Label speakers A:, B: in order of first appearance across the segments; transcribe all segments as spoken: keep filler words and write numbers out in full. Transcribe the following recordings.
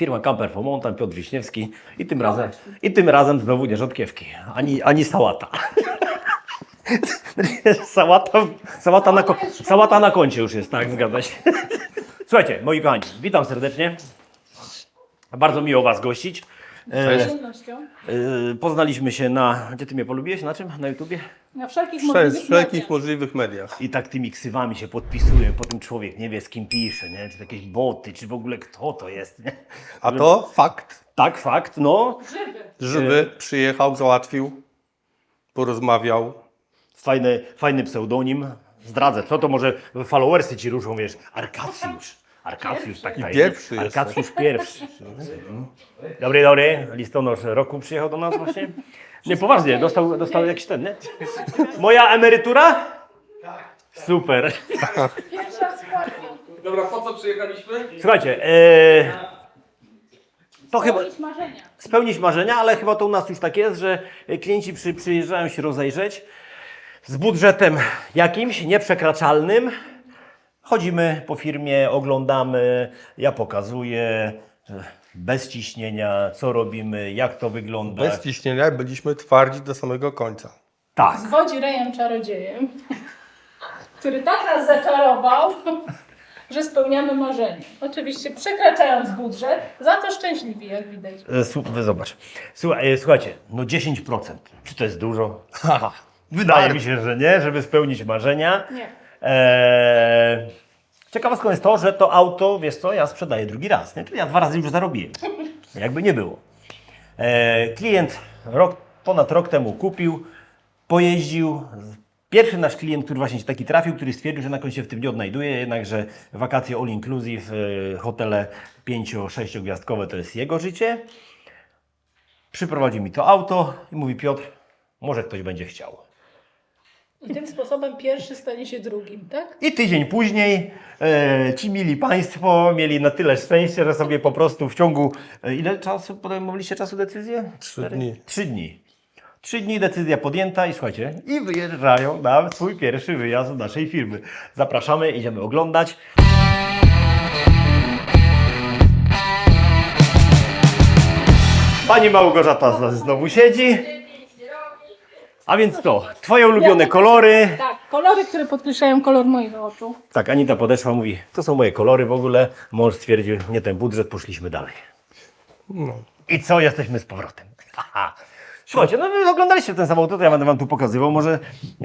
A: Firma Camper for Mountain, Piotr Wiśniewski i tym razem, i tym razem znowu nie rzodkiewki, ani, ani sałata. sałata, sałata, na, ko- sałata na koncie już jest, tak, zgadza się. Słuchajcie, moi kochani, witam serdecznie. Bardzo miło Was gościć. E, e, poznaliśmy się na... Gdzie Ty mnie polubiłeś? Na czym? Na YouTubie?
B: Na wszelkich
C: Przez
B: możliwych
C: wszelkich
B: mediach.
C: możliwych mediach.
A: I tak tymi ksywami się podpisuje, potem człowiek nie wie, z kim pisze, nie? Czy to jakieś boty, czy w ogóle kto to jest, nie?
C: A to fakt.
A: Tak, fakt, no.
B: Żywy.
C: Żywy przyjechał, załatwił, porozmawiał.
A: Fajny, fajny pseudonim. Zdradzę, co to może followersy ci ruszą, wiesz, Arkacjusz. Arkacjusz, tak, tak.
C: pierwszy
A: Arkacjusz pierwszy. Dobry, dobry. Listonosz roku przyjechał do nas właśnie. Nie, poważnie, dostał, dostał jakiś ten, nie? Moja emerytura? Super.
B: Pierwsza składka.
D: Dobra, po co przyjechaliśmy?
A: Słuchajcie, e, to chyba
B: Spełnić marzenia.
A: spełnić marzenia, ale chyba to u nas już tak jest, że klienci przy, przyjeżdżają się rozejrzeć z budżetem jakimś nieprzekraczalnym. Chodzimy po firmie, oglądamy, ja pokazuję, e, bez ciśnienia, co robimy, jak to wygląda.
C: Bez ciśnienia byliśmy twardzi do samego końca.
A: Tak.
B: Zwodzi rejem czarodziejem, który tak nas zaczarował, że spełniamy marzenia. Oczywiście przekraczając budżet, za to szczęśliwi, jak widać.
A: E, Słu- wy zobacz. Słuchaj, e, słuchajcie, no dziesięć procent. Czy to jest dużo? Wydaje mi się, że nie, żeby spełnić marzenia.
B: Nie.
A: Eee, ciekawostką jest to, że to auto, wiesz co, ja sprzedaję drugi raz, nie? Czyli ja dwa razy już zarobiłem. Jakby nie było. Eee, klient rok, ponad rok temu kupił, pojeździł. Pierwszy nasz klient, który właśnie się taki trafił, który stwierdził, że na końcu się w tym nie odnajduje, jednakże wakacje all inclusive, e, hotele pięcio-sześciogwiazdkowe to jest jego życie. Przyprowadził mi to auto i mówi: Piotr, może ktoś będzie chciał.
B: I tym sposobem pierwszy stanie się drugim, tak?
A: I tydzień później e, ci mili Państwo mieli na tyle szczęścia, że sobie po prostu w ciągu... E, ile czasu podejmowaliście czasu decyzję?
C: Trzy dni.
A: Trzy dni. Trzy dni decyzja podjęta i słuchajcie, i wyjeżdżają na swój pierwszy wyjazd z naszej firmy. Zapraszamy, idziemy oglądać. Pani Małgorzata znowu siedzi. A więc to, Twoje ulubione kolory.
B: Tak, kolory, które podkreślają kolor moich oczu.
A: Tak, Anita podeszła, mówi, to są moje kolory w ogóle. Mąż stwierdził, nie ten budżet, poszliśmy dalej.
C: No.
A: I co, jesteśmy z powrotem. Haha. Słuchajcie, no wy oglądaliście ten samochód, to ja będę Wam tu pokazywał, może... e,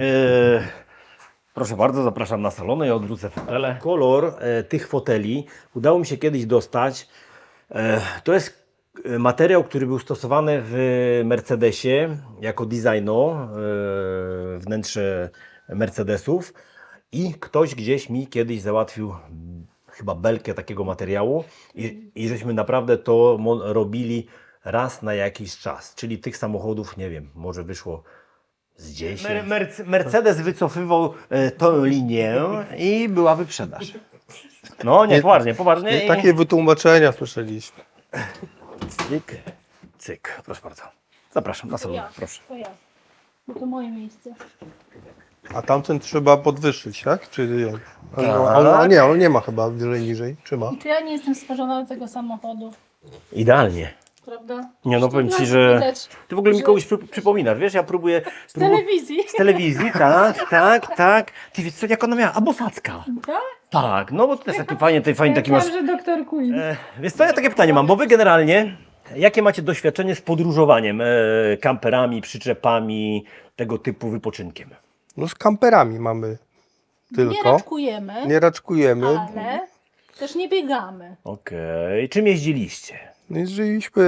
A: proszę bardzo, zapraszam na salony, ja odwrócę fotele. Kolor e, tych foteli udało mi się kiedyś dostać. E, to jest e, materiał, który był stosowany w Mercedesie jako designo, e, wnętrze Mercedesów. I ktoś gdzieś mi kiedyś załatwił mm, chyba belkę takiego materiału i, i żeśmy naprawdę to mo- robili raz na jakiś czas. Czyli tych samochodów, nie wiem, może wyszło z dziesięć. Mer- Merc- Mercedes wycofywał e, tą linię i była wyprzedaż. No, nie, poważnie, poważnie.
C: Nie,
A: i-
C: takie wytłumaczenia słyszeliśmy.
A: Cyk, cyk, proszę bardzo. Zapraszam na salon,
B: Ja,
A: proszę.
B: to ja. Bo to moje miejsce.
C: A tamten trzeba podwyższyć, tak? Czy nie? A,
A: Tak.
C: a, a nie, on nie ma chyba wyżej niżej. Czy ma?
B: I czy ja nie jestem stworzona do tego samochodu,
A: Idealnie.
B: prawda?
A: Nie, no powiem Ci,
B: Widać,
A: że
B: widać.
A: Ty w ogóle mi
B: że-
A: kogoś przy, przypominasz, wiesz, ja próbuję...
B: Z
A: próbu-
B: telewizji.
A: Z telewizji, tak, tak, tak. Ty wiesz co, jak ona miała? A Bosacka.
B: Tak?
A: Tak, no bo to jest taki fajnie, ty fajnie taki masz...
B: że doktor Queen.
A: E, Wiesz co, ja takie pytanie mam, bo Wy generalnie, jakie macie doświadczenie z podróżowaniem, e, kamperami, przyczepami, tego typu wypoczynkiem?
C: No z kamperami mamy
B: Nie
C: tylko.
B: raczkujemy,
C: Nie raczkujemy.
B: ale też nie biegamy.
A: Okej, czym jeździliście?
C: No Jeździliśmy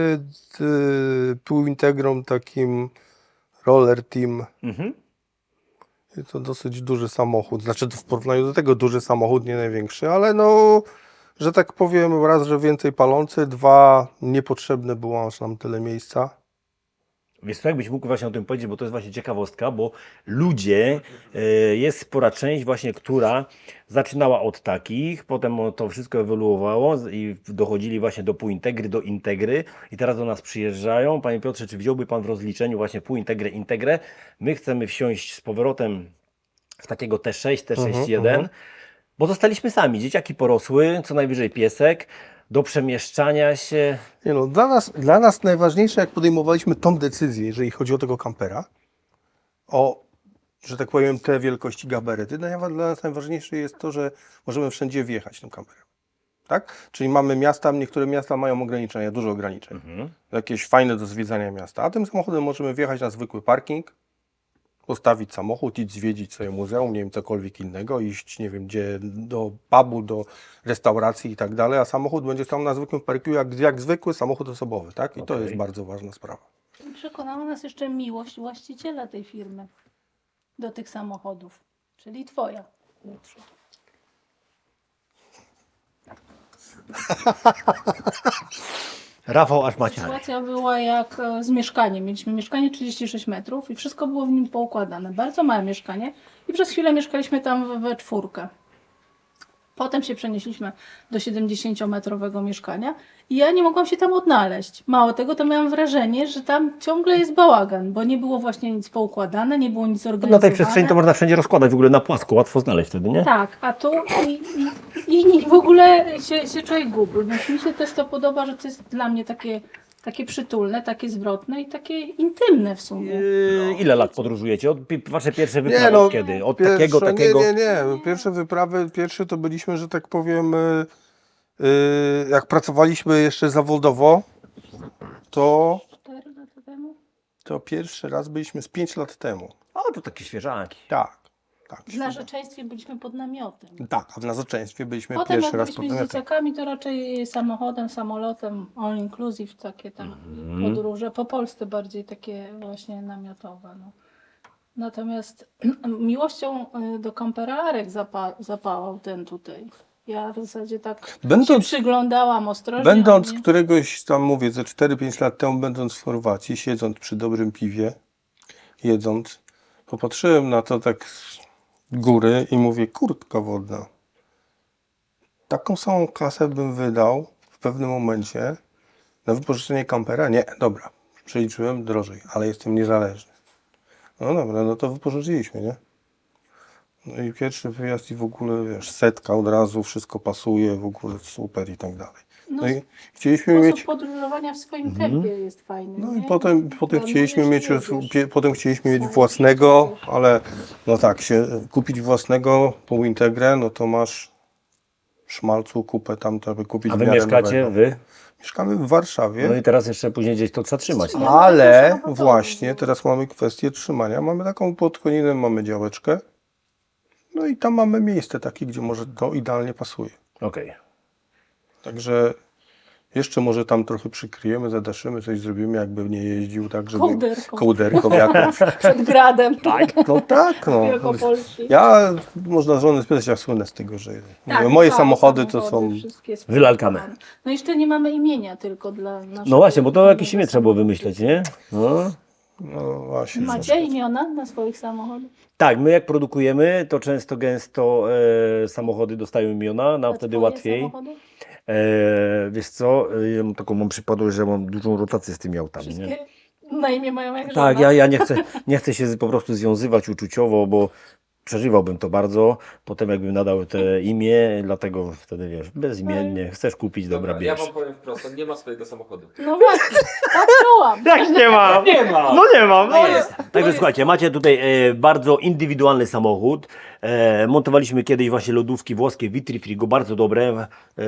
C: y, pół integrą takim roller team.
A: Mhm.
C: I to dosyć duży samochód. Znaczy to w porównaniu do tego duży samochód, nie największy, ale no, że tak powiem, raz, że więcej palący, dwa, niepotrzebne było aż nam tyle miejsca.
A: Wiesz co, jakbyś mógł właśnie o tym powiedzieć, bo to jest właśnie ciekawostka, bo ludzie, e, jest spora część właśnie, która zaczynała od takich, potem to wszystko ewoluowało z- i dochodzili właśnie do półintegry, do integry i teraz do nas przyjeżdżają. Panie Piotrze, czy wziąłby Pan w rozliczeniu właśnie półintegrę, integrę? My chcemy wsiąść z powrotem w takiego T sześć, T sześć jeden,
C: Mhm, mhm.
A: bo zostaliśmy sami, dzieciaki porosły, co najwyżej piesek. do przemieszczania się.
C: Nie no, dla nas, dla nas najważniejsze, jak podejmowaliśmy tą decyzję, jeżeli chodzi o tego kampera, o, że tak powiem, te wielkości gabaryty, no, dla nas najważniejsze jest to, że możemy wszędzie wjechać tym kamperem. Tak? Czyli mamy miasta, niektóre miasta mają ograniczenia, dużo ograniczeń.
A: Mhm.
C: Jakieś fajne do zwiedzania miasta. A tym samochodem możemy wjechać na zwykły parking, postawić samochód, iść zwiedzić sobie muzeum, nie wiem, cokolwiek innego, iść, nie wiem, gdzie, do pubu, do restauracji i tak dalej, a samochód będzie stał na zwykłym parkingu jak, jak zwykły samochód osobowy, tak? I to
A: Okej.
C: jest bardzo ważna sprawa.
B: Przekonała nas jeszcze miłość właściciela tej firmy do tych samochodów, czyli twoja.
A: Rafał aż macie.
B: Sytuacja była jak e, z mieszkaniem. Mieliśmy mieszkanie trzydzieści sześć metrów i wszystko było w nim poukładane. Bardzo małe mieszkanie i przez chwilę mieszkaliśmy tam we, we czwórkę. Potem się przenieśliśmy do siedemdziesięciometrowego mieszkania i ja nie mogłam się tam odnaleźć. Mało tego, to miałam wrażenie, że tam ciągle jest bałagan, bo nie było właśnie nic poukładane, nie było nic zorganizowane.
A: Na tej przestrzeni to można wszędzie rozkładać, w ogóle na płasko, łatwo znaleźć wtedy, nie?
B: Tak, a tu i, i, i w ogóle się, się człowiek gubi. Więc mi się też to podoba, że to jest dla mnie takie, takie przytulne, takie zwrotne i takie intymne w sumie.
A: Yy, ile lat podróżujecie? Od pi- wasze pierwsze wyprawy
C: Nie, no,
A: od kiedy? Od
C: Pierwsze,
A: takiego, takiego...
C: Nie, nie, nie. Pierwsze wyprawy, pierwsze to byliśmy, że tak powiem, y, y, jak pracowaliśmy jeszcze zawodowo, to,
B: Cztery lata temu?
C: to pierwszy raz byliśmy z pięć lat temu.
A: O, to takie świeżaki.
C: Tak, tak.
B: W narzeczeństwie byliśmy pod namiotem.
C: Tak, a w narzeczeństwie byliśmy
B: Potem jak
C: pierwszy raz pod
B: byliśmy z
C: namiotem.
B: dzieciakami, to raczej samochodem, samolotem, all inclusive, takie tam podróże. Po Polsce bardziej takie właśnie namiotowe. No. Natomiast miłością y, do kampera Arek zapa- zapałał ten tutaj. Ja w zasadzie tak
C: Będąc-
B: się przyglądałam ostrożnie.
C: Będąc
B: nie?
C: któregoś tam, mówię, ze cztery pięć lat temu, będąc w Chorwacji, siedząc przy dobrym piwie, jedząc, popatrzyłem na to tak z góry i mówię, kurtka wodna. Taką samą kasę bym wydał w pewnym momencie na wypożyczenie kampera? Nie, dobra, przeliczyłem drożej, ale jestem niezależny. No dobra, no to wypożyczyliśmy, nie? No i pierwszy wyjazd i w ogóle, wiesz, setka od razu, wszystko pasuje, w ogóle super i tak dalej. No i chcieliśmy
B: Sposób
C: mieć...
B: podróżowania w swoim tempie jest fajny.
C: No
B: nie?
C: i potem, potem
B: Planujesz
C: chcieliśmy
B: i
C: mieć,
B: jedziesz.
C: pie- potem chcieliśmy mieć własnego, ale no tak, się kupić własnego pół Integrę, no to masz szmalcu kupę tam, to by kupić
A: A
C: w
A: wy
C: miarę
A: mieszkacie,
C: nowego.
A: wy?
C: Mieszkamy w Warszawie,
A: No i teraz jeszcze później gdzieś to trzeba trzymać.
B: No,
A: No.
B: ale
C: ale
B: to trzeba
C: właśnie
B: gotować.
C: teraz mamy kwestię trzymania. Mamy taką pod koninem, mamy działeczkę, no i tam mamy miejsce takie, gdzie może to idealnie pasuje.
A: Okej.
C: Także jeszcze może tam trochę przykryjemy, zadaszymy, coś zrobimy, jakby nie jeździł tak, żeby...
B: Kołderką.
C: Kołderką jakąś.
B: Przed gradem. Tak.
C: No tak, no.
B: Wielkopolski.
C: Ja, można żonę spytać, ja słynę z tego, że
B: Tak,
C: moje
B: całe
C: samochody to są...
B: wszystkie
A: Wylalkane.
B: No i jeszcze nie mamy imienia tylko dla naszego...
A: No właśnie, bo to jakieś imię trzeba było wymyśleć, nie? No.
C: No właśnie.
B: Macie imiona na swoich samochodach?
A: Tak, my jak produkujemy, to często gęsto e, samochody dostają imiona, nam
B: A
A: wtedy
B: twoje
A: łatwiej.
B: samochody?
A: E, wiesz co, e, ja mam taką mam przypadłość, że mam dużą rotację z tymi autami. Nie?
B: Wszystkie na imię mają jak
A: Tak,
B: żona.
A: ja, ja nie, chcę, nie chcę się z- po prostu związywać uczuciowo, bo przeżywałbym to bardzo. Potem jakbym nadał te imię, dlatego wtedy wiesz, bezimiennie, chcesz kupić, dobra,
D: ja
A: bierz.
D: wam powiem wprost, on nie ma swojego samochodu.
B: No właśnie, tak czułam.
A: Jak nie mam?
D: Nie ma!
A: No nie mam, no
B: No
A: jest.
B: jest.
A: Także słuchajcie, macie tutaj e, bardzo indywidualny samochód. E, montowaliśmy kiedyś właśnie lodówki włoskie Vitrifrigo, bardzo dobre, e,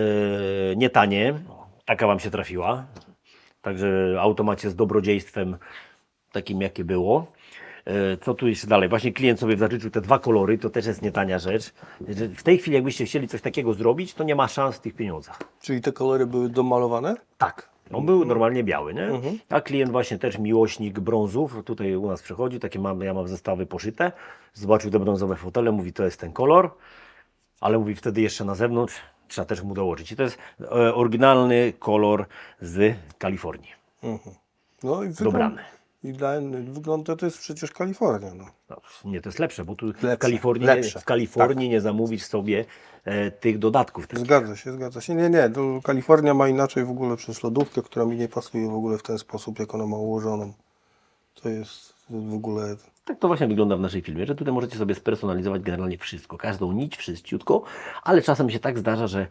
A: nie tanie. Taka wam się trafiła. Także auto macie z dobrodziejstwem takim, jakie było. E, Co tu jeszcze dalej? Właśnie klient sobie zażyczył te dwa kolory, to też jest nie tania rzecz. Że W tej chwili jakbyście chcieli coś takiego zrobić, to nie ma szans w tych pieniądzach.
C: Czyli te kolory były domalowane?
A: Tak. On był normalnie biały, nie?
C: Mhm.
A: A klient właśnie też miłośnik brązów, tutaj u nas przychodzi, takie mam, ja mam zestawy poszyte, zobaczył te brązowe fotele, mówi to jest ten kolor, ale mówi wtedy jeszcze na zewnątrz, trzeba też mu dołożyć. I to jest e, oryginalny kolor z Kalifornii,
C: Mhm. No i wygląd...
A: dobrany.
C: I dla wygląda to jest przecież Kalifornia, no.
A: No, nie, to jest lepsze, bo tu w
C: Lepsze,
A: Kalifornii,
C: lepsze,
A: w Kalifornii nie zamówisz sobie e, tych dodatków. Takich.
C: Zgadza się, zgadza się. Nie, nie, to Kalifornia ma inaczej w ogóle przez lodówkę, która mi nie pasuje w ogóle w ten sposób, jak ona ma ułożoną. To jest w ogóle...
A: Tak to właśnie wygląda w naszej filmie, że tutaj możecie sobie spersonalizować generalnie wszystko, każdą nić, wszystciutko, ale czasem się tak zdarza, że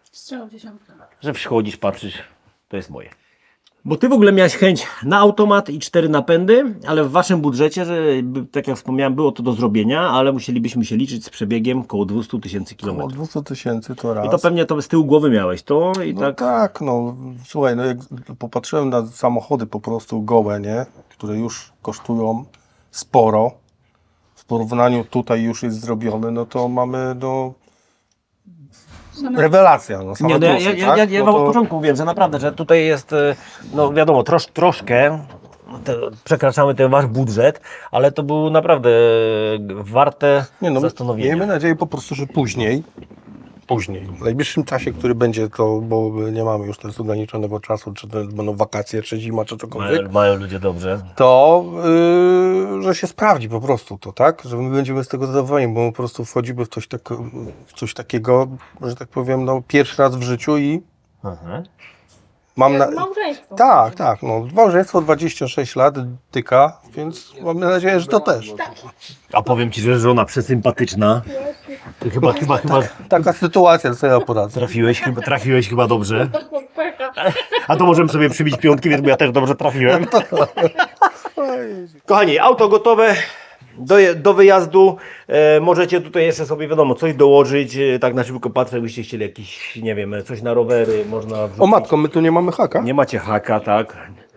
B: Strzał dziesiątka.
A: Że przychodzisz, patrzysz, to jest moje. Bo ty w ogóle miałeś chęć na automat i cztery napędy, ale w waszym budżecie, że by- tak jak wspomniałem, było to do zrobienia, ale musielibyśmy się liczyć z przebiegiem koło dwieście tysięcy
C: Około
A: kilometrów.
C: dwieście tysięcy to raz.
A: I to pewnie to z tyłu głowy miałeś to i
C: No
A: tak.
C: tak, no słuchaj, no jak popatrzyłem na samochody po prostu gołe, nie? Które już kosztują sporo. W porównaniu tutaj już jest zrobione, no to mamy no
B: Same
C: rewelacja. No, same
A: Nie, no ja,
C: plusy,
A: ja, ja,
C: tak?
A: ja, ja
C: No
A: wam
C: to-
A: od początku mówiłem, że naprawdę, że tutaj jest, e, no wiadomo, trosz, troszkę te, przekraczamy ten wasz budżet, ale to było naprawdę e, warte
C: Nie no,
A: zastanowienia.
C: miejmy nadzieję po prostu, że później, później, w najbliższym czasie, który będzie to, bo nie mamy już teraz ograniczonego czasu, czy to będą wakacje, czy zima, czy cokolwiek,
A: Mają, mają ludzie dobrze.
C: to yy, że się sprawdzi po prostu to, tak? Że my będziemy z tego zadowoleni, bo my po prostu wchodzimy w coś, tak, w coś takiego, że tak powiem, no pierwszy raz w życiu i
A: Aha.
C: mam na...
B: Małżeństwo.
C: Tak, tak, no małżeństwo dwadzieścia sześć lat tyka, więc mam nadzieję, że to też.
A: A powiem ci, że żona przesympatyczna. Ty chyba, chyba, chyba
C: Taka sytuacja, co ja poradzę.
A: trafiłeś, chyba, trafiłeś chyba dobrze. A to możemy sobie przybić piątki, więc bo ja też dobrze trafiłem. Kochani, auto gotowe do, je- do wyjazdu. E, możecie tutaj jeszcze sobie, wiadomo, coś dołożyć. E, tak na szybko patrzę, jakbyście chcieli jakiś, nie wiem, coś na rowery, można wrzucić.
C: O matko, my tu nie mamy haka?
A: Nie macie haka, tak?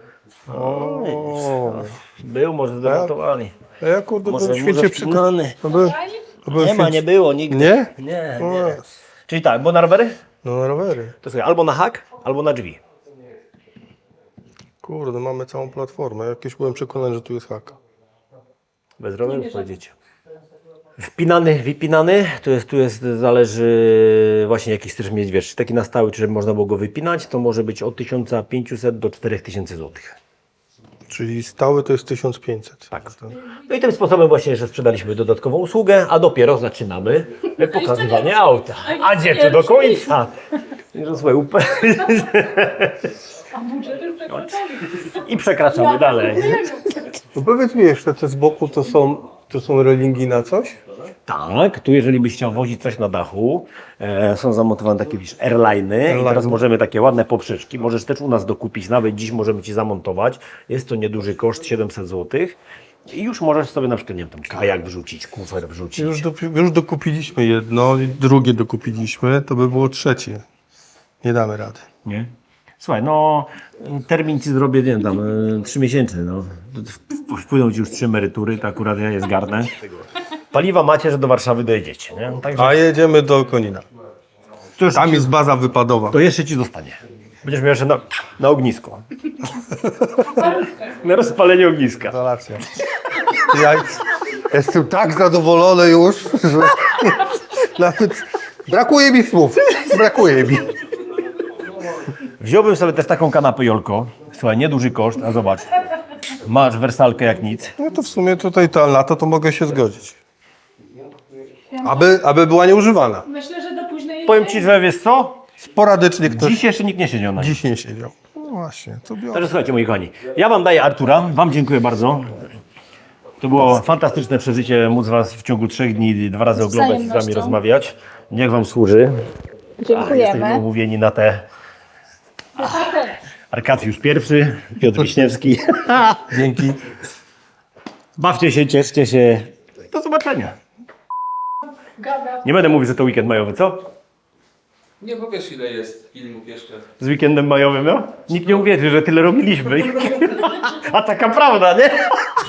C: O,
A: Był, może zdemontowali.
C: a ja kurde
A: Może,
C: byłem
A: może
C: święcie przekonany.
A: wpłynąny.
C: Byłem
A: Nie ma, nie było nigdy.
C: Nie?
A: Nie,
C: O,
A: nie. Czyli tak, bo na rowery?
C: No na rowery.
A: To sobie albo na hak, albo na drzwi.
C: Kurde, mamy całą platformę. Jakieś byłem przekonany, że tu jest haka.
A: Bez rowerów pojedziecie. Wpinany, wypinany, to jest, tu jest, zależy właśnie jaki chcesz mieć, wiesz, taki na stały, czy żeby można było go wypinać, to może być od tysiąc pięćset do czterech tysięcy złotych.
C: Czyli stały to jest tysiąc pięćset.
A: Tak. No i tym sposobem właśnie, że sprzedaliśmy dodatkową usługę, a dopiero zaczynamy pokazywanie auta. A gdzie tu do końca? Że słuchaj, upe-
B: A budżety przekroczony.
A: I przekraczamy dalej.
C: No powiedz mi jeszcze, te z boku to są, to są relingi na coś?
A: Tak, tu jeżeli byś chciał wozić coś na dachu, e, są zamontowane takie widzisz, airliny i
C: Airliny.
A: teraz możemy takie ładne poprzeczki, możesz też u nas dokupić, nawet dziś możemy Ci zamontować, jest to nieduży koszt, siedemset złotych i już możesz sobie na przykład, nie wiem, tam kajak wrzucić, kufer wrzucić.
C: Już, do, już dokupiliśmy jedno, i drugie dokupiliśmy, to by było trzecie. Nie damy rady.
A: Nie? Słuchaj, no termin Ci zrobię, nie wiem, tam e, trzy miesięczny, no. W- Wpłyną Ci już trzy emerytury, to akurat ja je zgarnę. Paliwa macie, że do Warszawy dojedziecie, nie? Także
C: A jedziemy do Konina.
A: to, już,
C: Tam jest baza wypadowa.
A: to jeszcze Ci zostanie. Będziesz miał jeszcze na, na ognisko. Na rozpalenie ogniska.
C: Instalacja. Ja jestem tak zadowolony już, że nawet brakuje mi słów. Brakuje mi.
A: Wziąłbym sobie też taką kanapę Jolko. Słuchaj, nieduży koszt, a zobacz. Masz wersalkę jak nic.
C: No to w sumie tutaj to, na to to mogę się zgodzić. Aby, aby była nieużywana.
B: Myślę, że do późnej
A: Powiem Ci, że wiesz co?
C: Sporadycznie ktoś
A: Dziś jeszcze nikt nie siedział na nim.
C: dziś nie siedział. No właśnie, to biorę.
A: Także słuchajcie, moi kochani, ja Wam daję Artura, Wam dziękuję bardzo. To było fantastyczne przeżycie, móc Was w ciągu trzech dni dwa razy oglądać i z Wami
B: wzajemnością.
A: rozmawiać. Niech Wam służy. A, jesteśmy umówieni na te... Arkadiusz pierwszy, Piotr Wiśniewski.
C: Dzięki.
A: Bawcie się, cieszcie się. Do zobaczenia.
B: Gada.
A: Nie będę mówił, że to weekend majowy, co?
D: Nie, bo wiesz ile jest filmów jeszcze.
A: Z weekendem majowym, no? Nikt nie uwierzy, że tyle robiliśmy. A taka prawda, nie?